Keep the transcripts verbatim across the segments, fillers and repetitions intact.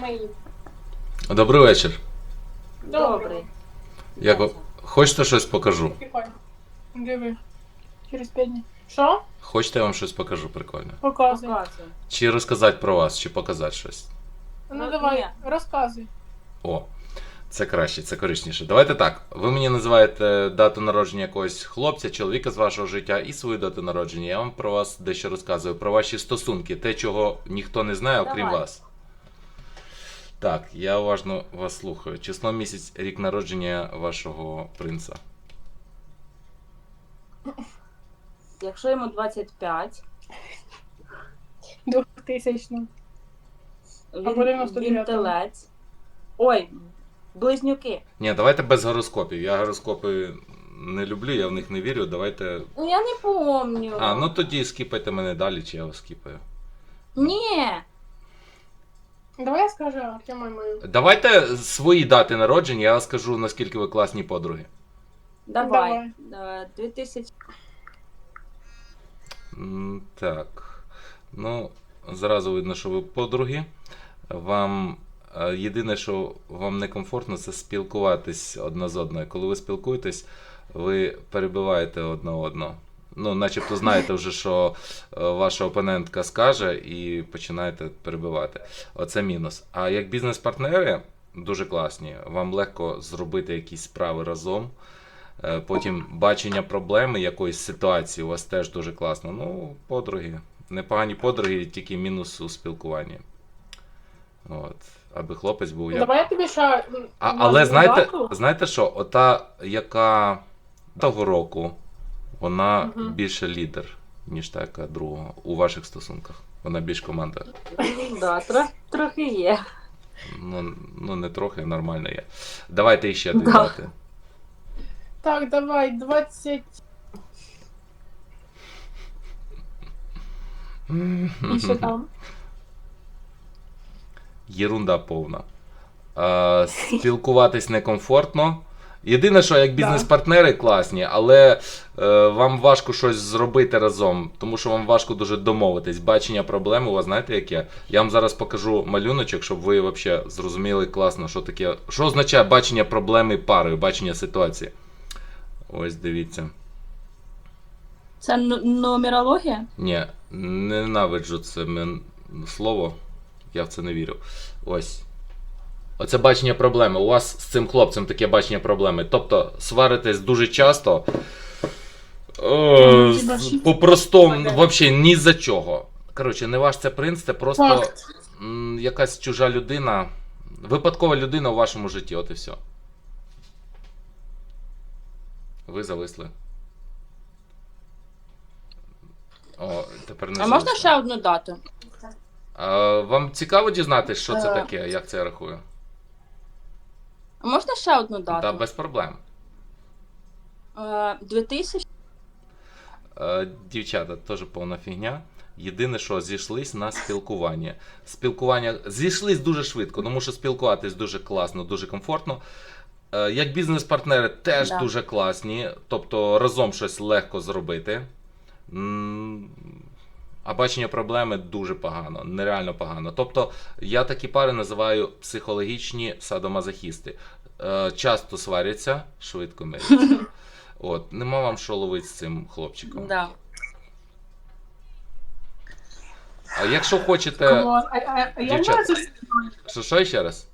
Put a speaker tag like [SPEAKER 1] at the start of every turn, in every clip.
[SPEAKER 1] мої.
[SPEAKER 2] Добрий вечір.
[SPEAKER 3] Добрий.
[SPEAKER 2] Як ви... Хочете щось покажу?
[SPEAKER 1] Прикольно. Диви. Через п'ять днів. Що?
[SPEAKER 2] Хочете, я вам щось покажу прикольне?
[SPEAKER 1] Показуй.
[SPEAKER 3] Показуй.
[SPEAKER 2] Чи розказати про вас, чи показати щось?
[SPEAKER 1] Ну
[SPEAKER 3] Ну,
[SPEAKER 1] давай,
[SPEAKER 3] ні.
[SPEAKER 1] розказуй.
[SPEAKER 2] О, це краще, це корисніше. Давайте так. Ви мені називаєте дату народження якогось хлопця, чоловіка з вашого життя і свою дату народження. Я вам про вас дещо розказую, про ваші стосунки, те, чого ніхто не знає, окрім
[SPEAKER 3] Давай.
[SPEAKER 2] вас. Так, я уважно вас слухаю. Число, місяць, рік народження вашого принца.
[SPEAKER 3] Якщо йому двадцять п'ять,
[SPEAKER 1] Двохтисячну. Або
[SPEAKER 3] він,
[SPEAKER 1] дев'яносто
[SPEAKER 3] він
[SPEAKER 1] дев'ятого.
[SPEAKER 3] телець. Ой, близнюки.
[SPEAKER 2] Ні, давайте без гороскопів. Я гороскопи не люблю, я в них не вірю. Давайте.
[SPEAKER 3] Ну я не помню.
[SPEAKER 2] А, ну тоді скіпайте мене далі, чи я вас скіпаю.
[SPEAKER 3] Ні.
[SPEAKER 1] Давай я скажу Артему мою.
[SPEAKER 2] Давайте свої дати народження, я скажу, наскільки ви класні подруги.
[SPEAKER 3] Давай. Давай. дві тисячі.
[SPEAKER 2] М, Так. Ну, зразу видно, що ви подруги. Вам е, єдине, що вам некомфортно, це спілкуватись одна з одною. Коли ви спілкуєтесь, ви перебиваєте одна одного. Ну, начебто знаєте вже, що е, ваша опонентка скаже, і починаєте перебивати. Оце мінус. А як бізнес-партнери дуже класні, вам легко зробити якісь справи разом. Е, Потім бачення проблеми якоїсь ситуації у вас теж дуже класно. Ну, подруги. Непогані подруги, тільки мінус у спілкуванні. От. Аби хлопець був як.
[SPEAKER 1] Давай я тобі ще... м,
[SPEAKER 2] А,
[SPEAKER 1] назву
[SPEAKER 2] але знаєте,
[SPEAKER 1] дату.
[SPEAKER 2] знаєте що? Ота, яка того року, вона
[SPEAKER 1] Мгм.
[SPEAKER 2] більше лідер, ніж та, яка другого у ваших стосунках. Вона більш команда.
[SPEAKER 3] Да, трохи, трохи є.
[SPEAKER 2] Ну, ну не трохи, нормально є. Давайте іще
[SPEAKER 3] Да.
[SPEAKER 2] додати.
[SPEAKER 1] Так, давай, двадцять... І що там?
[SPEAKER 2] Єрунда повна. Е, спілкуватись некомфортно. Єдине, що як бізнес-партнери класні, але е, вам важко щось зробити разом, тому що вам важко дуже домовитись. Бачення проблеми у вас знаєте яке? Я вам зараз покажу малюночок, щоб ви взагалі зрозуміли класно, що таке. Що означає бачення проблеми парою, бачення ситуації. Ось дивіться.
[SPEAKER 3] Це н- нумерологія?
[SPEAKER 2] Ні, ненавиджу це мен- слово. Я в це не вірю. Ось. Оце бачення проблеми. У вас з цим хлопцем таке бачення проблеми. Тобто сваритесь дуже часто. О,
[SPEAKER 1] Хіба
[SPEAKER 2] з-
[SPEAKER 1] що?
[SPEAKER 2] по-простому, взагалі ні за чого. Коротше, не ваш це принц, це просто
[SPEAKER 1] Факт.
[SPEAKER 2] м, якась чужа людина. Випадкова людина у вашому житті, от і все. Ви зависли. О, тепер не
[SPEAKER 3] А можна
[SPEAKER 2] зависли.
[SPEAKER 3] ще одну дату?
[SPEAKER 2] А, вам цікаво дізнатися, що це
[SPEAKER 3] Е.
[SPEAKER 2] таке, як це я рахую?
[SPEAKER 3] А можна ще одну дату?
[SPEAKER 2] Так, без проблем.
[SPEAKER 3] Е, дві тисячі?
[SPEAKER 2] Е, Дівчата, теж повна фігня. Єдине, що зійшлись на спілкування. Спілкування зійшлись дуже швидко, тому що спілкуватись дуже класно, дуже комфортно. Е, Як бізнес-партнери теж
[SPEAKER 3] Да.
[SPEAKER 2] дуже класні, тобто разом щось легко зробити. М, А бачення проблеми дуже погано, нереально погано. Тобто я такі пари називаю психологічні садомазохісти. Е, Часто сваряться, швидко миряться. От, нема вам що ловити з цим хлопчиком.
[SPEAKER 3] Да.
[SPEAKER 2] А якщо хочете.
[SPEAKER 1] Клас. А, а, а як
[SPEAKER 2] Дівчата.
[SPEAKER 1] ви це все-
[SPEAKER 2] Що, що ще раз?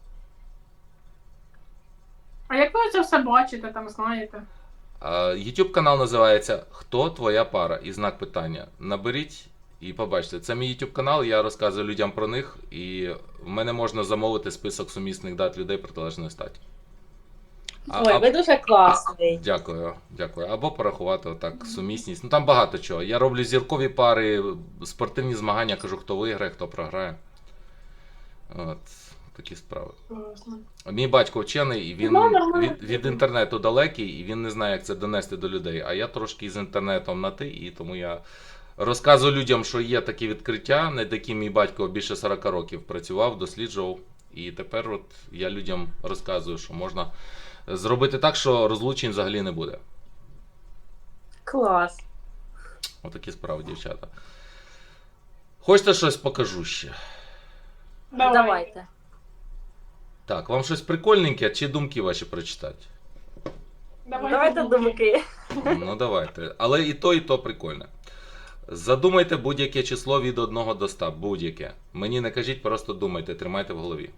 [SPEAKER 1] а як ви це все бачите, там знаєте?
[SPEAKER 2] А, YouTube канал називається Хто твоя пара? І знак питання. Наберіть і побачите. Це мій YouTube канал, я розказую людям про них, і в мене можна замовити список сумісних дат людей протилежної статі. А-
[SPEAKER 3] Ой,
[SPEAKER 2] а-
[SPEAKER 3] ви дуже класний.
[SPEAKER 2] Дякую, дякую. Або порахувати отак сумісність. Ну там багато чого. Я роблю зіркові пари, спортивні змагання, кажу, хто виграє, хто програє. От, такі справи.
[SPEAKER 1] Класно.
[SPEAKER 2] Мій батько вчений, і він
[SPEAKER 1] Ну, нормально.
[SPEAKER 2] від, від інтернету далекий, і він не знає, як це донести до людей. А я трошки з інтернетом на ти, і тому я розказую людям, що є такі відкриття, над яким мій батько більше сорок років працював, досліджував. І тепер от я людям розказую, що можна зробити так, що розлучень взагалі не буде.
[SPEAKER 3] Клас.
[SPEAKER 2] Отакі справи, дівчата. Хочете щось покажу ще?
[SPEAKER 1] Давай.
[SPEAKER 3] Давайте.
[SPEAKER 2] Так, вам щось прикольненьке чи думки ваші прочитати?
[SPEAKER 3] Давайте думки.
[SPEAKER 2] Ну давайте. Але і то, і то прикольне. Задумайте будь-яке число від одного до ста. Будь-яке. Мені не кажіть, просто думайте, тримайте в голові.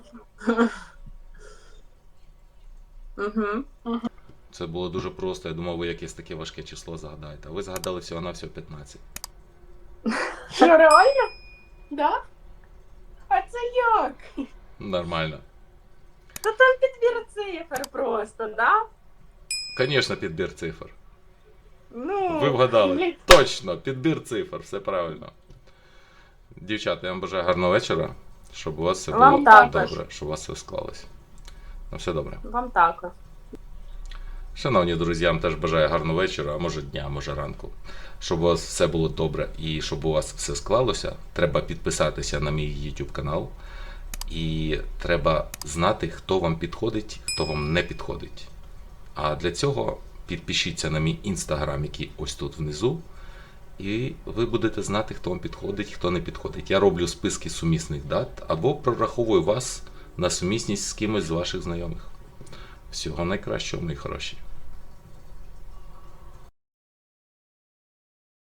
[SPEAKER 3] Угу.
[SPEAKER 2] Це було дуже просто. Я думав, ви якесь таке важке число загадаєте. А ви згадали всього на всього п'ятнадцять.
[SPEAKER 1] Що, реально? Да? А це як?
[SPEAKER 2] Нормально.
[SPEAKER 3] Та там підбір цифр просто, да?
[SPEAKER 2] Звісно, підбір цифр.
[SPEAKER 3] Ну,
[SPEAKER 2] Ви вгадали.
[SPEAKER 1] Блін.
[SPEAKER 2] Точно, підбір цифр, все правильно. Дівчата, я вам бажаю гарного вечора, щоб у вас все
[SPEAKER 3] Вам
[SPEAKER 2] було
[SPEAKER 3] також.
[SPEAKER 2] добре, щоб у вас все склалось. Ну, все добре.
[SPEAKER 3] вам також.
[SPEAKER 2] Шановні друзі, я вам теж бажаю гарного вечора, а може дня, а може ранку. Щоб у вас все було добре і щоб у вас все склалося, треба підписатися на мій YouTube канал. І треба знати, хто вам підходить, хто вам не підходить. А для цього підпишіться на мій інстаграм, який ось тут внизу. І ви будете знати, хто вам підходить, хто не підходить. Я роблю списки сумісних дат або прораховую вас на сумісність з кимось з ваших знайомих. Всього найкращого, мої хороші.